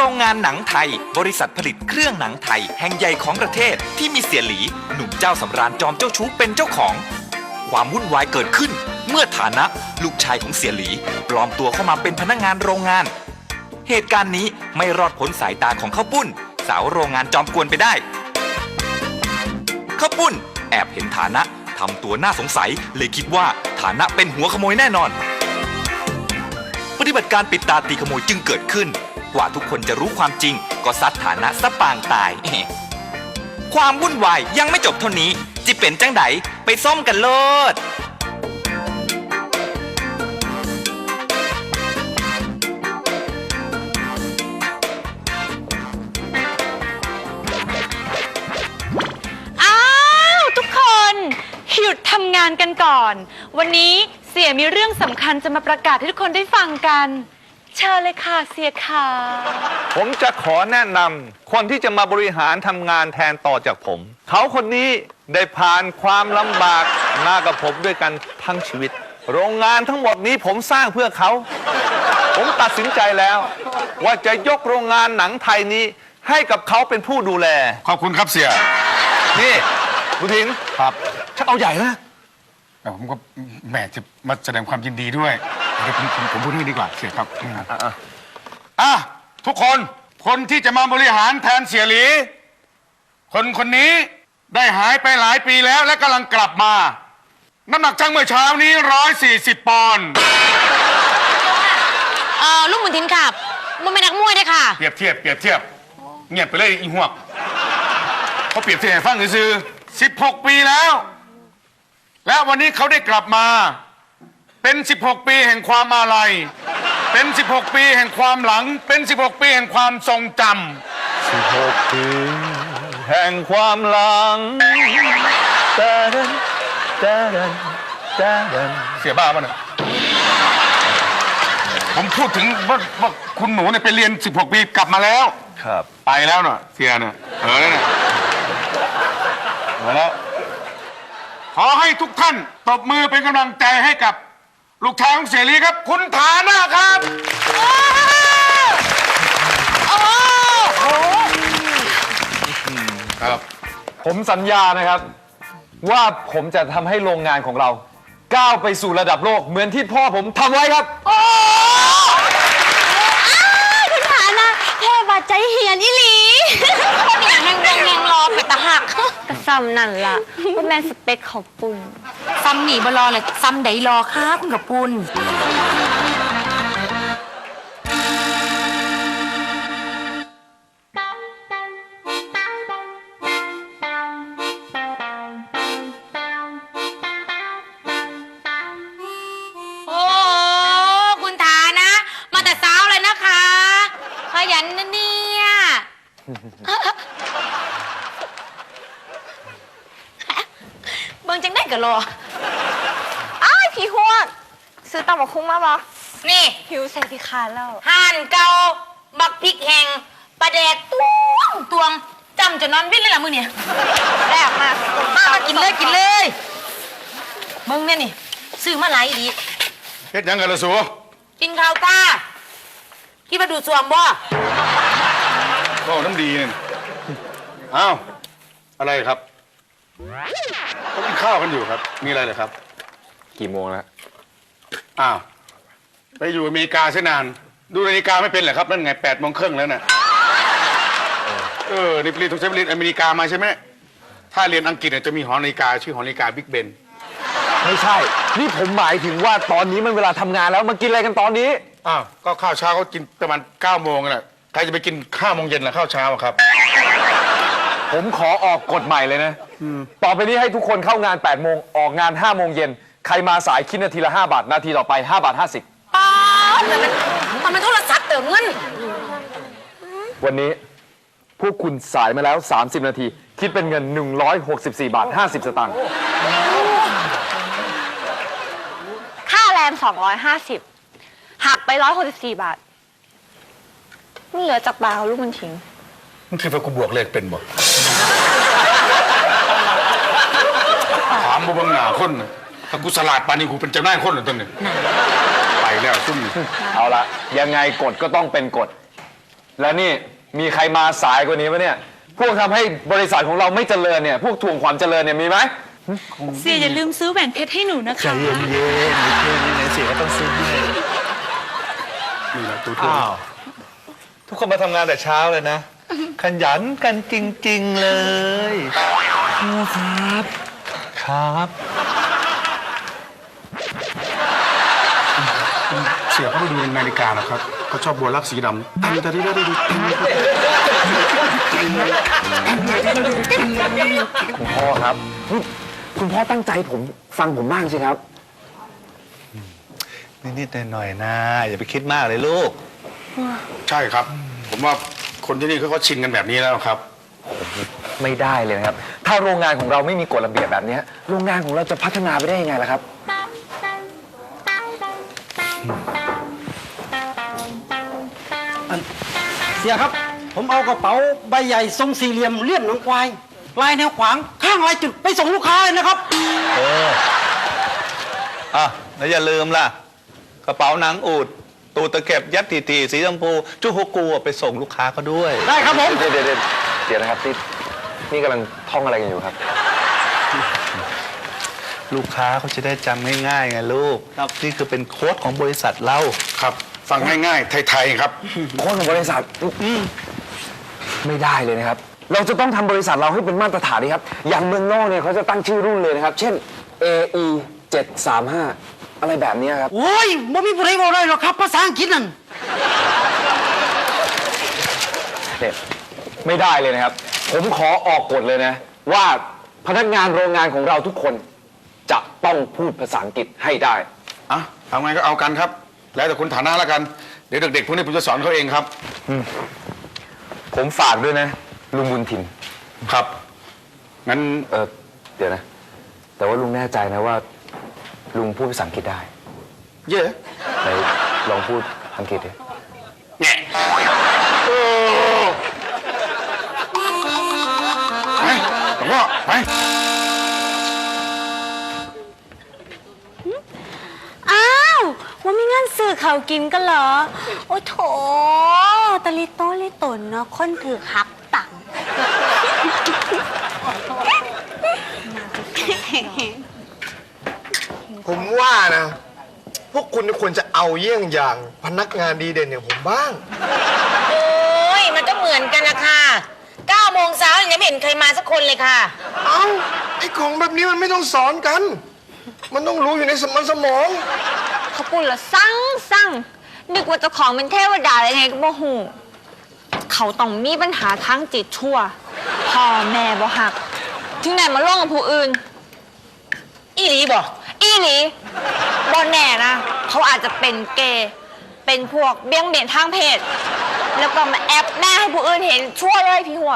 รงงานหนังไทยบริษัทผลิตเครื่องหนังไทยแห่งใหญ่ของประเทศที่มีเสียหลีหนุ่มเจ้าสำราญจอมเจ้าชู้เป็นเจ้าของความวุ่นวายเกิดขึ้นเมื่อฐานะลูกชายของเสียหลีปลอมตัวเข้ามาเป็นพนักงานโรงงานเหตุการณ์นี้ไม่รอดพ้นสายตาของข้าวปุ้นสาวโรงงานจอมกวนไปได้ข้าวปุ้นแอบเห็นฐานะทำตัวน่าสงสัยเลยคิดว่าฐานะเป็นหัวขโมยแน่นอนปฏิบัติการปิดตาตีขโมยจึงเกิดขึ้นกว่าทุกคนจะรู้ความจริงก็ซัดฐานะซะปางตาย ความวุ่นวายยังไม่จบเท่านี้จิเป็นจังไดไปส้มกันโลดทุกคนหยุดทำงานกันก่อนวันนี้เสียมีเรื่องสำคัญจะมาประกาศให้ทุกคนได้ฟังกันเชิญเลยค่ะเสียค่ะผมจะขอแนะนำคนที่จะมาบริหารทำงานแทนต่อจากผมเขาคนนี้ได้ผ่านความลำบากมากับผมด้วยกันทั้งชีวิตโรงงานทั้งหมดนี้ผมสร้างเพื่อเขาผมตัดสินใจแล้วว่าจะยกโรงงานหนังไทยนี้ให้กับเขาเป็นผู้ดูแลขอบคุณครับเสียนี่บุทินครับชักเอาใหญ่นะผมก็แหมจะมาแสดงความยินดีด้วยเดี๋ยวผมพูดให้ดีกว่าเสียครับทุกคนที่จะมาบริหารแทนเสียหลีคนนี้ได้หายไปหลายปีแล้วและกำลังกลับมาน้ำหนักช่างเมื่อเช้านี้140 ปอนด์ลูกหมุนทินขับมันเป็นนักมวยได้ค่ะเปรียบเทียบเงียบไปเลยอีหวกเขาเปรียบเทียบให้ฟังซื่อ16 ปีแล้วและวันนี้เขาได้กลับมาเป็น16 ปีแห่งความอาลัยเป็น16 ปีแห่งความหลังเป็น16 ปีแห่งความทรงจำ16 ปีแห่งความหลังเสียบ้าป่ะเนี่ยผมพูดถึงว่าคุณหนูเนี่ยไปเรียน16 ปีกลับมาแล้วครับไปแล้วเนาะเสียเนี่ยแล้วเนี่ยมาแล้วขอให้ทุกท่านตบมือเป็นกำลังใจให้กับลูกชายของเสียหลีครับคุณฐานะครับครับผมสัญญานะครับว่าผมจะทำให้โรงงานของเราก้าวไปสู่ระดับโลกเหมือนที่พ่อผมทำไว้ครับคุณฐานะเทบาใจเหียนอีหลีเนี่ยนั่งรอไปตะหักกระซ้ำนั่นล่ะว่าแม่สเปคของปุ่นซ้ำหนีบรอเลยซ้ำไดรอค่ะคุณกับปุ่นขยันนะเนี่ยเบิ่งจังได้กะรออ้ายพี่ฮวดซื้อตำบักคุ้งมาบ่นี่หิวใส่พี่คาแล้วห่านเกาบักพริกแห้งปลาแดกตวงจำจะนอนวิ่งเลยล่ะมือเนี่ยแรกมากินเลยมึงเนี่ยนี่ซื้อมาหลายดีเฮ็ดยังกันล่ะสูกินข้าวตาคิดว่าดูสวมบ่ก็น้ำดีเนี่ยอ้าวอะไรครับเขากินข้าวกันอยู่ครับมีอะไรเหรอครับกี่โมงแล้วอ้าวไปอยู่อเมริกาเสียนานดูนาฬิกาไม่เป็นเหรอครับนั่นไง8:30แล้วน่ะนี่เรียนทุกเรียนอเมริกามาใช่ไหมถ้าเรียนอังกฤษจะมีหอนาฬิกาชื่อหอนาฬิกาบิ๊กเบนไม่ใช่นี่ผมหมายถึงว่าตอนนี้มันเวลาทำงานแล้วมากินอะไรกันตอนนี้อ้าวก็ข้าวเช้าเขากินประมาณ9 โมงแหละใครจะไปกิน5 โมงเย็นล่ะข้าวเช้าครับผมขอออกกฎใหม่เลยนะต่อไปนี้ให้ทุกคนเข้างาน8 โมงออกงาน5 โมงเย็นใครมาสายคิดนาทีละ5 บาทนาทีต่อไป5.50 บาทมันโทรศัพท์เติมเงินวันนี้พวกคุณสายมาแล้ว30 นาทีคิดเป็นเงิน164.50 บาทสตางค์ค่าแรง250หักไป164 บาทมันเหลือจากบาทลูกมันทิ้งมึงคิดว่ากูบวกเลขเป็นบ่ถามบ่บังหน้าคนถ้ากูสลาดปานนี้กูเป็นเจ้านายคนเหรอต้นนี่ไปแล้วซุ่มเอาละยังไงกฎก็ต้องเป็นกฎแล้วนี่มีใครมาสายกว่านี้ปะเนี่ยพวกทำให้บริษัทของเราไม่เจริญเนี่ยพวกทวงความเจริญเนี่ยมีไหมเสียอย่าลืมซื้อแหวนเพชรให้หนูนะคะใจเย็นๆเพื่อนนี่ไหนเสียก็ต้องซื้อให้นี่แหละตัวเธออ้าวทุกคนมาทำงานแต่เช้าเลยนะ ขยันกันจริง ๆ เลยครับ ครับเสียเขาไปดูในนาฬิกานะครับเขาชอบบัวลักสีดำแต่ที่ได้ดูคุณพ่อครับนี่คุณพ่อตั้งใจผมฟังผมบ้างสิครับนิดๆหน่อยๆนะ อย่าไปคิดมากเลยลูกใช่ครับ ผมว่าคนที่นี่เขาก็ชินกันแบบนี้แล้วครับไม่ได้เลยนะครับ ถ้าโรงงานของเราไม่มีกฎระเบียบแบบนี้โรงงานของเราจะพัฒนาไปได้ยังไงล่ะครับเสียครับ ผมเอากระเป๋าใบใหญ่ทรงสี่เหลี่ยมเลี่ยนหนังควายลายแนวขวางข้างลายจุดไปส่งลูกค้าเลยนะครับอ่ะแล้วอย่าลืมล่ะ กระเป๋าหนังอูดตูดตะเข็บยัดตีๆสีชมพูจุกฮกกูไปส่งลูกค้าเขาด้วยได้ครับผมเดี๋ยวนะครับนี่กำลังท่องอะไรกันอยู่ครับลูกค้าเขาจะได้จำง่ายๆไงลูกนี่คือเป็นโค้ดของบริษัทเราครับ ฟังง่ายๆ ไทยๆครับโค้ดของบริษัทไม่ได้เลยนะครับ เราจะต้องทำบริษัทเราให้เป็นมาตรฐานดีครับ อย่างเมืองนอกเนี่ยเขาจะตั้งชื่อรุ่นเลยนะครับ เช่น AE 735อะไรแบบนี้ครับโอ้ยบ่มีผู้ใดบอกได้หรอกครับภาษาอังกฤษนั่นเนี่ยไม่ได้เลยนะครับ ผมขอออกกฎเลยนะ ว่าพนักงานโรงงานของเราทุกคนจะต้องพูดภาษาอังกฤษให้ได้อ่ะทำไงก็เอากันครับ แล้วแต่คุณฐานะแล้วกัน เดี๋ยวเด็กๆพวกนี้ผมจะสอนเขาเองครับผมฝากด้วยนะ ลุงบุญถิ่นครับ งั้นเดี๋ยวนะ แต่ว่าลุงแน่ใจนะว่า ลุงพูดภาษาอังกฤษได้เย่ไหนลองพูดอังกฤษดิแง่ไปหลวงพ่อไปอ้าวว่ามีเงินซื้อเขาวกินกันเหรอ โอ้โถตะลิโตลิตนเนาะคนถือหักตังค์ผมว่านะ พวกคุณควรจะเอาเยี่ยงอย่างพนักงานดีเด่นอย่างผมบ้างโอ้ยมันก็เหมือนกันนะคะ9 โมงเช้ายังไม่เห็นใครมาสักคนเลยค่ะเอ้า ไอ้ของแบบนี้มันไม่ต้องสอนกัน มันต้องรู้อยู่ในสมองเขาพูดละสั่งนึกว่าเจ้าของเป็นเทวดาอะไรไงก็บ่หูเขาต้องมีปัญหาทางจิตชั่วพ่อแม่บ่หัก ถึงไหนมาล่วงกับผู้อื่น อีหลีบ่อีหลีบ่แน่นะ เขาอาจจะเป็นเกย์เป็นพวกเบี้ยงเบนทางเพศ แล้วก็มาแอบหน้าให้ผู้อื่นเห็นชั่วเลยพี่หัว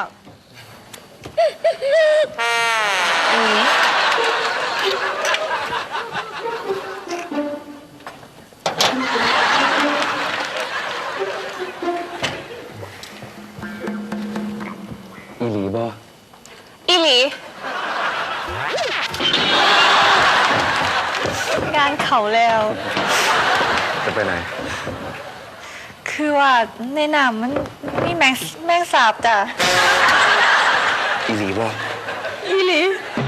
อืมอีหลีบ่อีหลีงานเขาแล้วจะไปไหนคือว่าในน้ำมันมีแมงสาบจ้ะอีหลีบ่อีหลี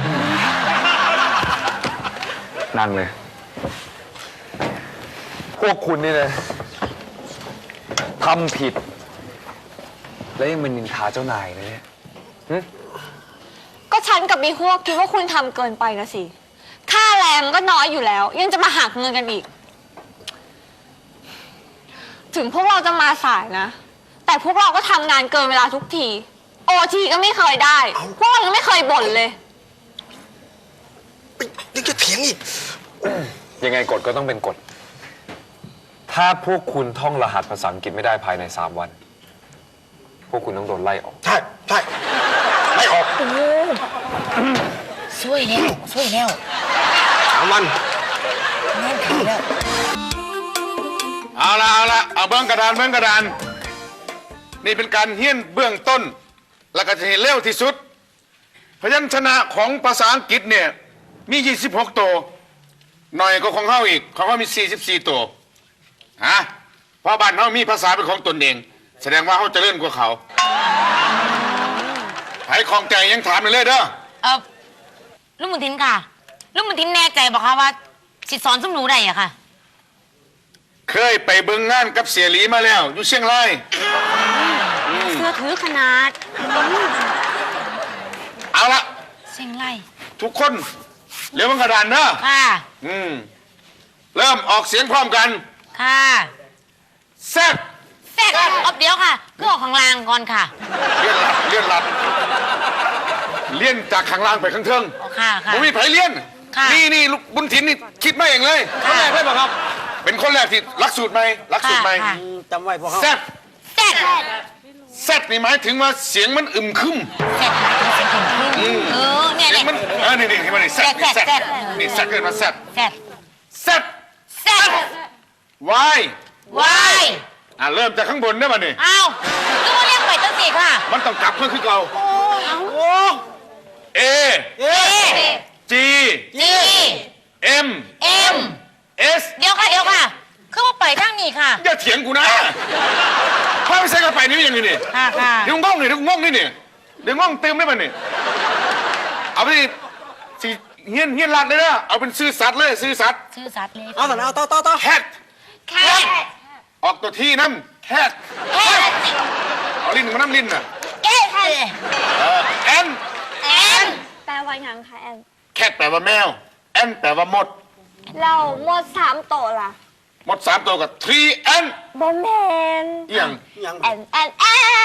นั่งเลย พวกคุณนี่นะทำผิด แล้วยังมานินทาเจ้านายนะเนี่ยก็ฉันกับบีฮวกคิดว่าคุณทำเกินไปนะสิ ค่าแรงก็น้อยอยู่แล้ว ยังจะมาหักเงินกันอีก ถึงพวกเราจะมาสายนะ แต่พวกเราก็ทำงานเกินเวลาทุกที โอทีก็ไม่เคยได้ พวกเรายังไม่เคยบ่นเลยๆยังจะเถียงอีกยังไงกฎก็ต้องเป็นกฎ ถ้าพวกคุณท่องรหัสภาษาอังกฤษไม่ได้ภายใน 3 วัน พวกคุณต้องโดนไล่ออกใช่ไม่ออกช่วยแล้ว 3 วันงานเขาแล้วเอาละเอาเบื้องกระดาน นี่เป็นการเฮี้ยนเบื้องต้น แล้วก็จะเห็นเร็วที่สุด พยัญชนะของภาษาอังกฤษเนี่ยมี 26 ตัว หน่อยก็ของเฮาอีกของเฮามี 44 ตัวฮะเพราะบ้านเฮามีภาษาเป็นของตนเองแสดงว่าเขาเจะเล่นกว่าเขาไผของใจยังถามเลยเด้อลุงบุญทินค่ะลุงบุญทินแน่ใจบอกค่ะว่าสิสอนสมหนูได้อะค่ะเคยไปเบิ่งงานกับเสียหลีมาแล้ว อยู่เชียงรายเสื้อถือขนาดเอาละเสียงไรทุกคนเรียกมันกระดานเด้อค่ะเริ่มออกเสียงพร้อมกันค่ะแซ่บแฟกอบเดียวค่ะก็ออกข้างล่างก่อนค่ะเลี่ยนหลัดเลี่ยนจากข้างล่างไปข้างเทิงอ๋อค่ะค่ะผมมีไผเลี่ยนค่ะนี่ลูกบุญถินนี่คิดมาเองเลยคนแรกได้ป่ะครับ เป็นคนแรกที่รักสูตรไหมรักสูตรไหมค่ะจำไว้พวกเขาแซ่บแฟกแซ่บนี่หมายถึงว่าเสียงมันอึมครึมแฟกเสียงขึ้นเนี่ยเสียงมันนี่ที่มันนี่แซ่บนี่แซ่บแซ่บนี่แซ่บเกินมาแซ่บแฟกแซ่บแฟกวายวายเริ่มจากข้างบนได้ป่ะนี่อ้าวนึกว่าเรียกไปตั้งสี่ค่ะมันต้องกลับเพื่อคือเก่าเอเอจีจีเอ็มเอ็มเอสเดี๋ยวค่ะคือว่าไปทางนี้ค่ะอย่าเถียงกูนะพาไปใส่กระไปนี่ยังไงนี่ค่ะค่ะเดี๋ยวง่องนี่เดี๋ยวง่องนี่นี่เดี๋ยวง่องเติมได้ป่ะนี่เอาไปสิเฮี้ยนลัดเลยนะเอาเป็นซื่อสัตว์เลยซื่อสัตว์ชื่อสัตว์เลยเอาต่อเอาต่อแคทแคทออกตัวที่น้ำแคทแคทเอาลิ้นมาน้ำลิ้นน่ะแคทแอนแอนแปลว่าหยังคะแอนแคทแปลว่าแมวแอนแปลว่ามดเราหมด3โตวล่ะมด3ตัวกับ3แอนแบนแมนเอียงแอนแอนแอน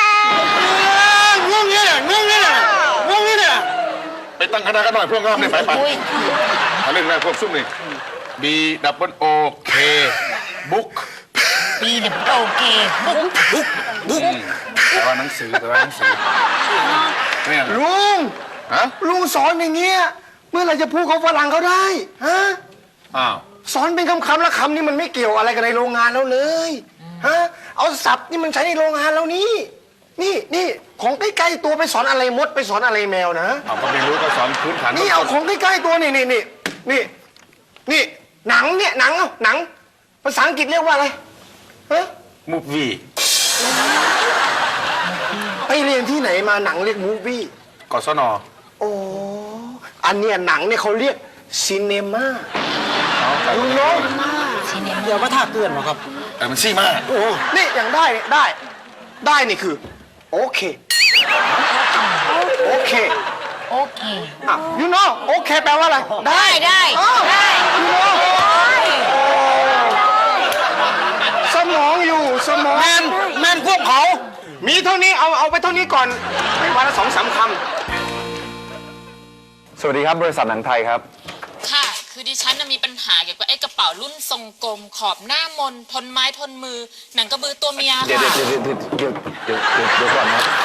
งงเนี่ยงงเนี่ยไปตั้งคณะกันหน่อยพวกงามเนี่ยไปเอาเรื่องแรกพวกซุ่มนี่ B double O K book ปีเด็บโอเคบุ๊กแปลว่าหนังสือเนี่ยลุงฮะลุงสอนอย่างเงี้ย เมื่อไหรจะพูดเขาฝรั่งเขาได้ ฮะอ้าวสอนเป็นคำๆแล้วคำนี้มันไม่เกี่ยวอะไรกับในโรงงานแล้วเลย ฮะ เอาศัพท์นี่มันใช้ในโรงงานแล้วนี่ นี่ของใกล้ๆตัวไปสอนอะไรมดไปสอนอะไรแมวนะเอาก็ไม่รู้ก็สอนพื้นฐานนี่เอาของใกล้ๆตัวนี่หนังเนี่ยหนังภาษาอังกฤษเรียกว่าอะไรฮะมูฟวี่ไปเรียนที่ไหนมาหนังเรียกมูฟวี่กศนโอ้อันเนี้ยหนังเนี่ยเขาเรียกซีเนมาลุงน้องเดี๋ยวมาท่าเกลื่อนหรอครับมันซี่มากโอ้นี่อย่างได้เนี่ยได้นี่คือ โอเคโอเคอ่ะยูโน่โอเคแปลว่าอะไรได้อ้าวยูโน่สมองอยู่สมองแมนพวกเขามีเท่านี้เอาไปเท่านี้ก่อนไปวันละ2-3 คำสวัสดีครับบริษัทหนังไทยครับค่ะ คือดิฉันน่ะมีปัญหาเกี่ยวกับไอ้กระเป๋ารุ่นทรงกลม ขอบหน้ามน ทนไม้ทนมือ หนังกระบือตัวเมียเดี๋ยวค่ะก่อนครับ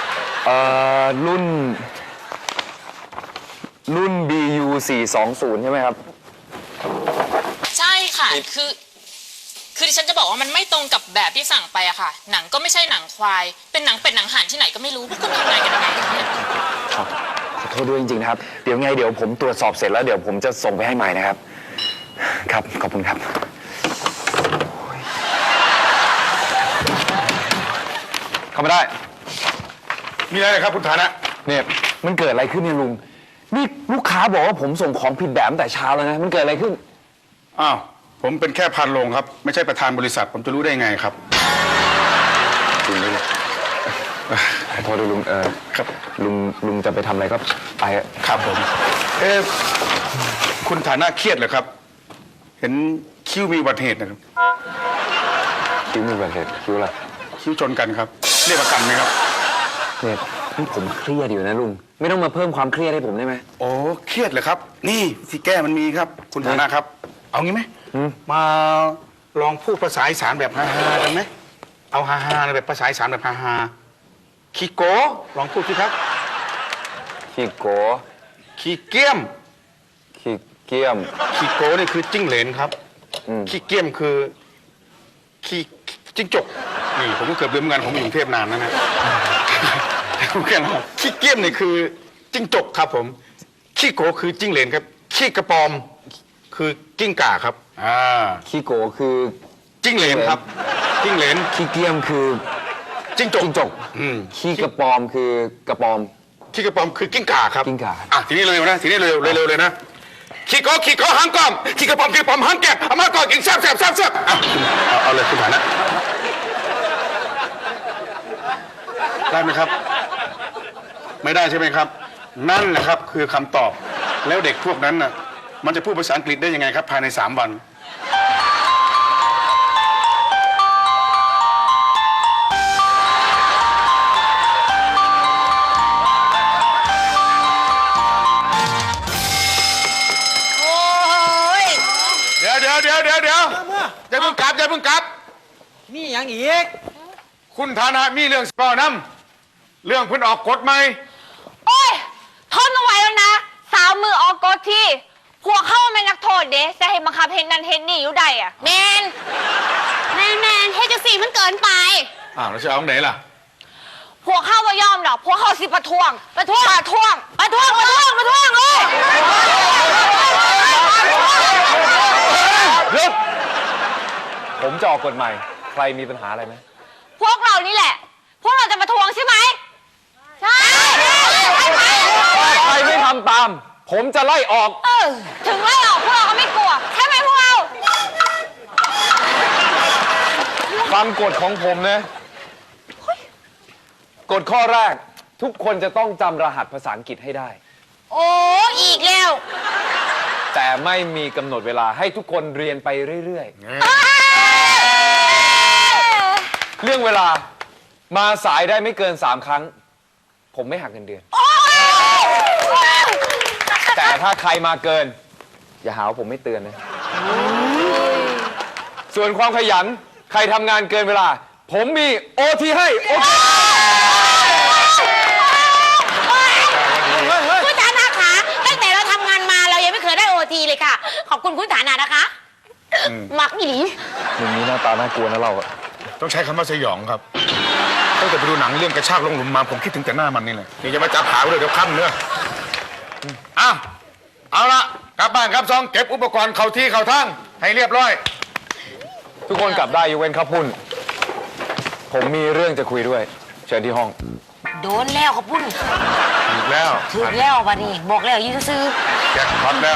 รุ่น BU 420ใช่ไหมครับใช่ค่ะ คือดิฉันจะบอกว่ามันไม่ตรงกับแบบที่สั่งไปอะค่ะ หนังก็ไม่ใช่หนังควาย เป็นหนังเป็ดหนังห่านที่ไหนก็ไม่รู้ พวกคุณทำงานกันยังไงคะเนี่ยครับขอโทษด้วยจริงๆนะครับ เดี๋ยวผมตรวจสอบเสร็จแล้วเดี๋ยวผมจะส่งไปให้ใหม่นะครับ ครับ ขอบคุณครับ เข้ามาได้มีอะไรครับคุณฐานะเนี่ยมันเกิดอะไรขึ้นเนี่ยลุง นี่ลูกค้าบอกว่าผมส่งของผิดแบบตั้งแต่เช้าแล้วนะ มันเกิดอะไรขึ้นอ้าว ผมเป็นแค่พันโรงครับ ไม่ใช่ประธานบริษัท ผมจะรู้ได้ไงครับจริงด้วยขอโทษด้วยลุงครับลุงจะไปทำอะไรก็ไปอะครับผม คุณฐานะเครียดเหรอครับ เห็นคิ้วมีอุบัติเหตุนะครับคิ้วมีอุบัติเหตุคิ้วอะไรคิ้วชนกันครับ เรียกประกันไหมครับเนี่ยนี่ผมเครียดอยู่นะลุง ไม่ต้องมาเพิ่มความเครียดให้ผมได้ไหมโอ้เครียดเหรอครับ นี่ที่แก้มันมีครับ คุณฐานะครับ เอางี้ไหม มาลองพูดภาษาอีสานแบบฮาๆกันไหมเอาฮาๆแบบภาษาอีสานแบบฮาๆขี้โกลองพูดสิครับขี้โกขี้เกี้ยมขี้เกียมขี้โกนี่คือจิ้งเหลนครับ ขี้เกี้ยมคือขี้จิ้งจก นี่ผมก็เกือบลืมเหมือนกันผมอยู่กรุงเทพนานนะผมแค่นั้นขี้เกี้ยมนี่คือจิ้งจกครับผม ขี้โกคือจิ้งเหลนครับ ขี้กระปอมคือกิ้งก่าครับขี้โกคือจิ้งเหลนครับ จิ้งเหลนขี้เกียมคือจิ้งจกจิ้งจก ขี้กระปอมคือกระปอมขี้กระป๋อมคือกิ้งก่าครับกิ้งก่าอ่ะทีนี้เร็วๆนะทีนี้เร็วๆเลยนะขี้ก็หางกอมขี้กระป๋อมหางแกะเอามาก่อนกินแซ่บอ่ะเอาเลยคุณฐานะได้ไหมครับ ไม่ได้ใช่ไหมครับ นั่นแหละครับคือคำตอบแล้วเด็กพวกนั้นน่ะมันจะพูดภาษาอังกฤษได้ยังไงครับภายใน3 วันเดี๋ยวอย่าเพิ่งกลับมีอย่างอีกคุณฐานะมีเรื่องก่อนำเรื่องเพิ่นออกกฎใหม่โอ้ยทนเอาไว้แล้วนะสาวมือออกกฎที่พวกเข้าเป็นนักโทษเด้จะให้บังคับเห็นนั่นเห็นนี่อยู่ใดอะแมนเฮดจังสี่มันเกินไปอ้าวแล้วจะเอาไหนล่ะพวกเข้าว่ายอมดอกพวกเข้าสิประท้วงเลยหยุด ผมจะออกกฎใหม่ ใครมีปัญหาอะไรไหมพวกเรานี่แหละ พวกเราจะประท้วงใช่ไหมใช่ใครไม่ทำตาม ผมจะไล่ออกถึงไล่ออกพวกเราก็ไม่กลัวใช่ไหมพวกเราฟังกฎของผมนะ กฎข้อแรก ทุกคนจะต้องจำรหัสภาษาอังกฤษให้ได้โอ้อีกแล้วแต่ไม่มีกำหนดเวลาให้ทุกคนเรียนไปเรื่อยๆ เรื่องเวลามาสายได้ไม่เกิน3 ครั้ง ผมไม่หักเงินเดือน แต่ถ้าใครมาเกิน อย่าหาว่าผมไม่เตือนนะ ส่วนความขยันใครทำงานเกินเวลา ผมมีโอทีให้โอทีคุณฐานะคะตั้งแต่เราทำงานมาเรายังไม่เคยได้โอทีเลยค่ะ ขอบคุณคุณฐานะนะคะมักอีหลีมึงนี้หน้าตาน่ากลัวนะเราอะต้องใช้คำว่าสยองครับตั้งแต่ไปดูหนังเรื่องกระชากลงหลุมมาผมคิดถึงแต่หน้ามันนี่แหละนี่จะมาจับขาเลยเดี๋ยวค่ำเนื้อเอาละกลับบ้านครับซองเก็บอุปกรณ์เข้าที่เข้าทางให้เรียบร้อยทุกคนกลับได้ยกเว้นข้าวปุ้น ผมมีเรื่องจะคุยด้วย เชิญที่ห้องโดนแล้วขอบคุณอีกแล้วถึงแล้ววันนี้บอกแล้วยืนซื้อแจ็คพอตแล้ว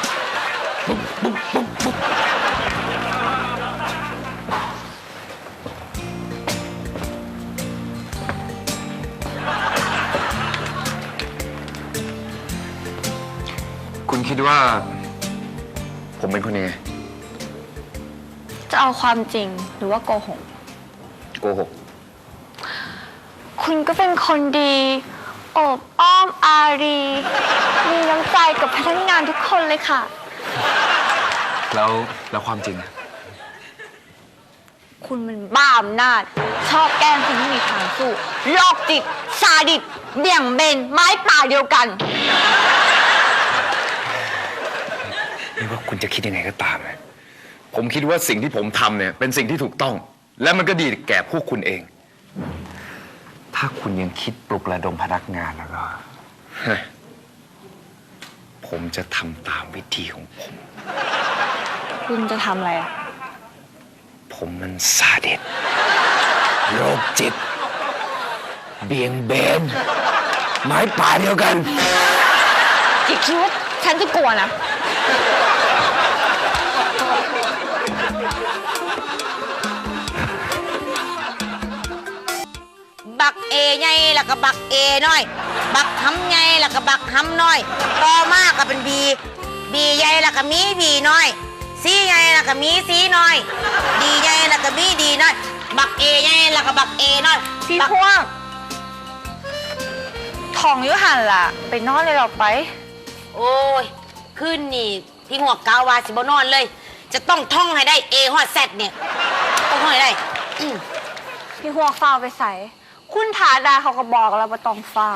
คุณคิดว่า ผมเป็นคนยังไงจะเอาความจริงหรือว่าโกหกโกหกคุณก็เป็นคนดีโอบอ้อมอารี มีน้ำใจกับพนักงานทุกคนเลยค่ะแล้วความจริงอะคุณมันบ้าอำนาจ ชอบแกล้งคนที่มีทางสู้โรคจิตซาดิสเบี่ยงเบนไม้ป่าเดียวกันไม่ว่าคุณจะคิดยังไงก็ตามนะผมคิดว่าสิ่งที่ผมทำเนี่ยเป็นสิ่งที่ถูกต้อง และมันก็ดีแก่พวกคุณเอง ถ้าคุณยังคิดปลุกระดมพนักงานแล้วก็ ผมจะทำตามวิธีของผมคุณจะทำอะไรอ่ะผมมันซาดิสโรคจิต เบี่ยงเบนไม้ป่าเดียวกันอย่าคิดว่าฉันจะกลัวนะบักเอใหญ่แล้วก็บักเอน้อย บักหำใหญ่แล้วก็บักหำน้อย ต่อมาก็เป็นบีใหญ่แล้วก็มีบีน้อยซีใหญ่แล้วก็มีซีน้อยดีใหญ่แล้วก็มีดีน้อย บักเอใหญ่แล้วก็บักเอน้อยพี่พวงทองยุหันล่ะ ไปนอนเลยหรอไปโอ้ยขึ้นนี่พี่หัวกาววาสิบนอนเลย จะต้องท่องให้ได้เอฮอดแซดเนี่ยต้องท่องให้ได้พี่พวงเฝ้าไปใส่ คุณฐาดาเขาก็บอกแล้วว่าต้องเฝ้า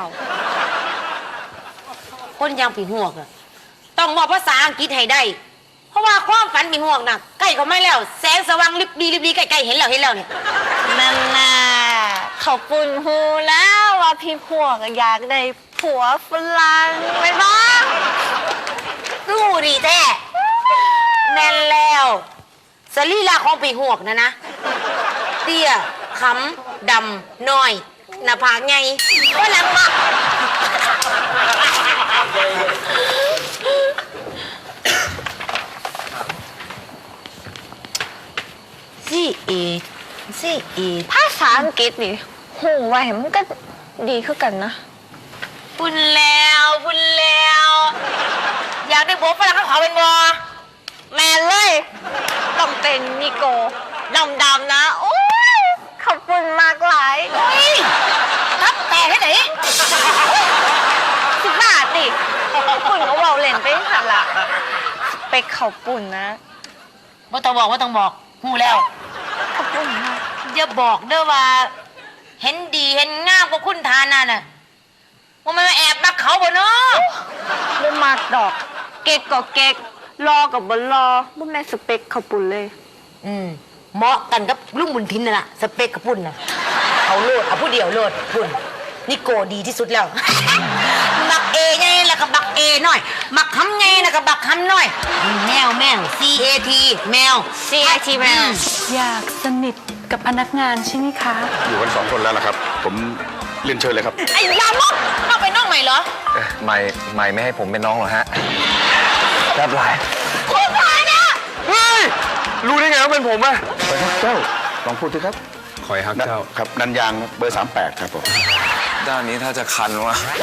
คนอยังผีหวกอะต้องบอกภาษาอังกฤษให้ได้ เพราะว่าความฝันผีหวกน่ะใกล้เขาไม่แล้ว แสงสว่างริบดีใกล้ๆเห็นแล้วเนี่ยนั่นน่ะเขาปุ่นหูแล้วว่าพี่พวงอยากได้ผัวฝรั่งไปบ้างสู้ดีแท้แม่นแล้วสรีระของผีหวกนะเตี้ยขำดำน้อยหน้าผากใหญ่ว่าหนังมัก C.E. ภาษาอังกฤษนี่หูไว้มันก็ดีขึ้นกันนะพุ่นแล้วอยากได้ผัวฝรั่งเขาขอเป็นบอแมนเลย ต้องเป็นนิโกดำๆนะ โอ้ยขอบคุณมากหลายรับแต่ให้ไหน 10 บาทดิปุ่นก็เบาเล่นไปหันละไปเขาปุ่นนะว่าต้องบอกพูดแล้วขอบคุณมากอย่าบอกเด้อว่า เห็นดีเห็นงามกว่าคุณทาน่ะน่ะว่ามันมาแอบรักเขาบ่เนาะบ่มากดอก เก๊กก็เก๊กรอกับบรอบ่แม่นสเปคเขาปุ่นเลยเหมาะกันกับลุงบุญทินน่ะสเปกกับพุ่นน่ะเอาโลดเอาผู้เดียวโลดพุ่นนี่โกดีที่สุดแล้ว บักเอไงแล้วก็บักเอหน่อยบักคำไงแล้วก็บักคำหน่อยแมวCAT แมว CAT แมวอยากสนิทกับพนักงานใช่ไหมคะอยู่กัน2 คนแล้วล่ะครับ ผมเรียนเชิญเลยครับไอ้ยามกเข้าไปน้องใหม่เหรอไม่ไม่ให้ผมเป็นน้องหรอฮะรับไรคุณพายเนี่ยเฮ้ย รู้ได้ไงว่าเป็นผมอะเจ้าลองพูดสิครับคอยฮักเจ้าครับนันยางเบอร์ 38 ครับผมด้านนี้ถ้าจะคันวะเอา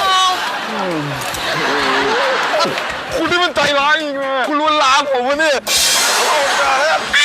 คุณนี่มันใจร้ายจริงๆคุณลวนลามผมวะเนี่ย